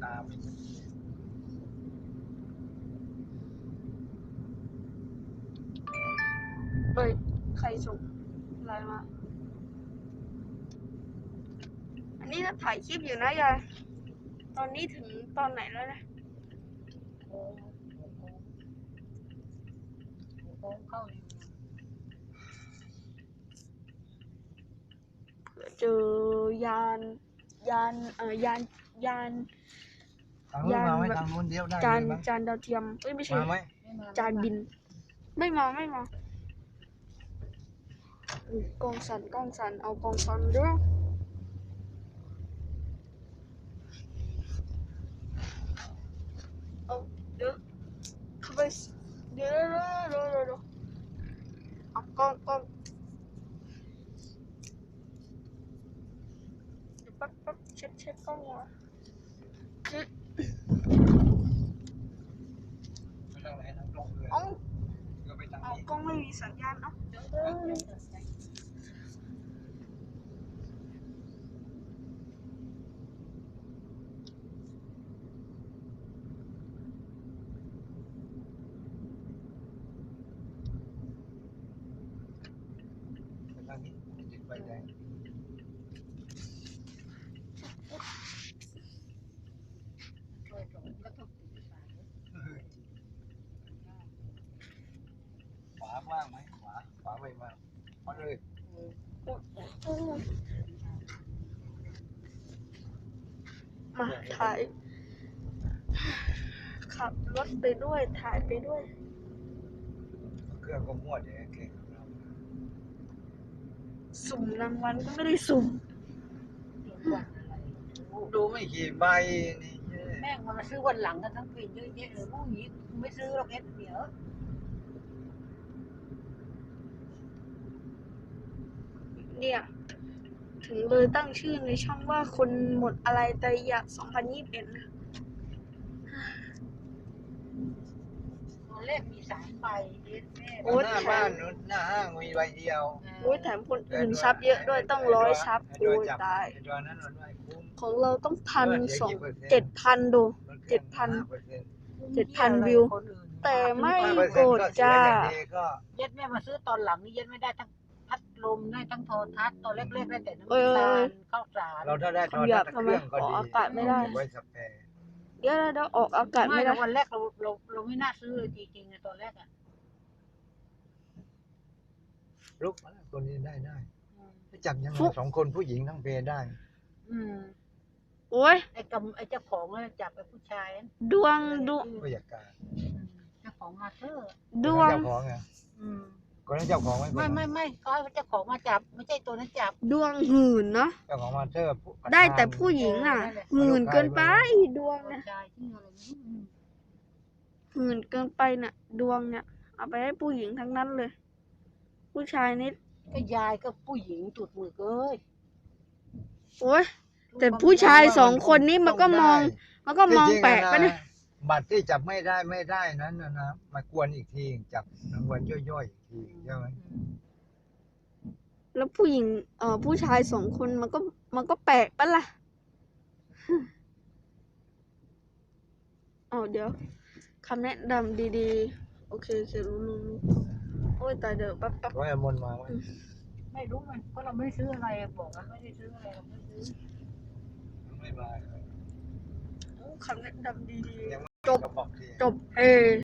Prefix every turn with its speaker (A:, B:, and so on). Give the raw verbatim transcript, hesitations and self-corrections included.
A: า
B: เฮ้ยใครส่งอะไรมา อันนี้เราถ่ายคลิปอยู่นะยาย ตอนนี้ถึงตอนไหนแล้วนะ
C: โค้งโค้งเข้าใน
B: เผื่อเจอยานยานเอ่อยานยาน
A: ทางนู้นมาไหมทางนู้นเดียวได้
B: จาน
A: ไหม
B: จานดาวเทียมเอ้ยไม่ใช่
A: มาไหม
B: จานบิน ไม่มาไม่มาอุ๊ยกล้องสั่นกล้องสั่นเอากล้องสั่นด้วยเอาเดี๋ยวเข้าไปเดี๋ยวเดี๋ยวเดี๋ยวเดี๋ยวเอากล้องกล้องเดี๋ยวแป๊บแป๊บเช็ดเช็ดกล้องก่อนคือ
A: ไปทางไหนทางตรงเลย
B: เอา
A: ก็ไปทาง
B: เอา
A: นี้
B: กล้องไม่มีสัญญาณเอาเดี๋ยวเดี๋ยวเดี๋ยว
A: ไปทางนี้ติดไฟแดงขวาว่างไหมขวาขวาไม่ว่างเอาเลย
B: มาถ่ายขับรถไปด้วยถ่ายไปด้วย
A: เครื่องก็มั่วเดี๋ยวเก่ง
B: สุ่มรางวัลก็ไม่ได้สุ่ม
A: ดูไม่กี่ใบนี่
C: แม่งมันมาซื้อวันหลังกันทั้งปีเยอะแยะเลยพวกนี้ไม่ซื้อหรอกเอ็ดเดี๋ยว
B: เนี่ย ถึงเลยตั้งชื่อในช่องว่าคนหมดอะไรแต่อยากสองพันยี่สิบเอ็ดนะ
C: ตอนแรกมีสามใบเอ็ดแม่
B: โอ้
A: หน้าบ้านนู้นหน้าห้างมีใบเดียว
B: โอ้ยแถมคนอื่นซับเยอะด้วยต้องร้อยซับโอ้ยตาย
A: ไอ้ตัวนั้นมันไม่คุ้ม
B: ของเราต้องพันสองเจ็ดพันดู เจ็ดพัน เจ็ดพันวิว แต่ไม่กดจ้า
C: เย็ดแม่มาซื้อตอนหลังนี่เย็ดไม่ได้ทั้งพัดลมได้ทั้งโทรทัศน์ตอนเล็กๆได้แต่น้ำ
B: เอ้ย
C: ตาลข้าวสาร
A: เราถ้าได้ตอน
B: คำหยา
A: นั้
B: บ
A: น
B: ทำ
A: เค
B: ไม
A: รื่องก็
B: ออก
A: ดี
B: อากาศไม่ได้
A: ไว้สแปร
B: เดี๋ยวเดี๋ยวออกอากาศ
C: ไม่
B: ไม่
C: แต่
B: ได้
C: วันแรกเราเราเราไม่น่าซื้อเลยจริงๆในตอนแรกอ่ะ
A: ลุกมาแล้วตัวนี้ได้ได้
C: อืม
A: จับยังไง
B: ฟุ๊ก
A: สองคนผู้หญิงทั้งเพได้
C: อืม
B: โอ้ย
C: ไอ้กำไอ้เจ้าของน่ะจับไอ้ผู้ชายนั่น
B: ดวงดวง
A: ผู้จัดการ
C: อืมเจ้าของมาเธอ
B: ดวง
A: เจ้าของไง
C: อืม
A: คนนั้นเจ้าของไว้
C: ไม่ไม่ไม่ก็ให้เจ้าของมาจับไม่ใช่ตัวนั้นจับ
B: ดวงหื่นเนาะ
A: เจ้าของมาเธอร์ผู้
B: ได้แต่ผู้หญิงอ่ะ หื่นเกินไปดวง
C: ผู้
B: เนี่ย
C: ชายที่อะไรนี่อืม
B: หื่นเกินไปน่ะ ดวงเนี่ยเอาไปให้ผู้หญิงทั้งนั้นเลย ผู้ชายนิด
C: ก็ยายก็ผู้หญิงจุดมือเอ้ย
B: โอ้ยแต่ผู้ชายสองคนนี้มันก็มอง มันก็มองแปลกไปะเนี่ย
A: บัตรที่จับไม่ได้ไม่ได้นั้นนะนะมากวนอีกทีจับรางวัลย่อยๆอีกทีใช่ไหม
B: แล้วผู้หญิงเอ่อผู้ชายสองคนมันก็มันก็แปลกปะล่ะอ๋อเดี๋ยวคำแนะนำดีๆ โอเคโอเครู้รู้รู้โอ้ยตายเดี๋ยวแป๊บแป๊บ
A: ร้อยอมนมาไว้
C: ไม่รู้มันเพราะเราไม่ได้ซื้ออะไรบอกว่าไม่ได้ซื้ออะไรเราไม่ซื้อ
A: ไม่มา
B: คำแนะนำดี
A: ยังไม่
B: จบ
A: บอกที
B: ๆ จบเอ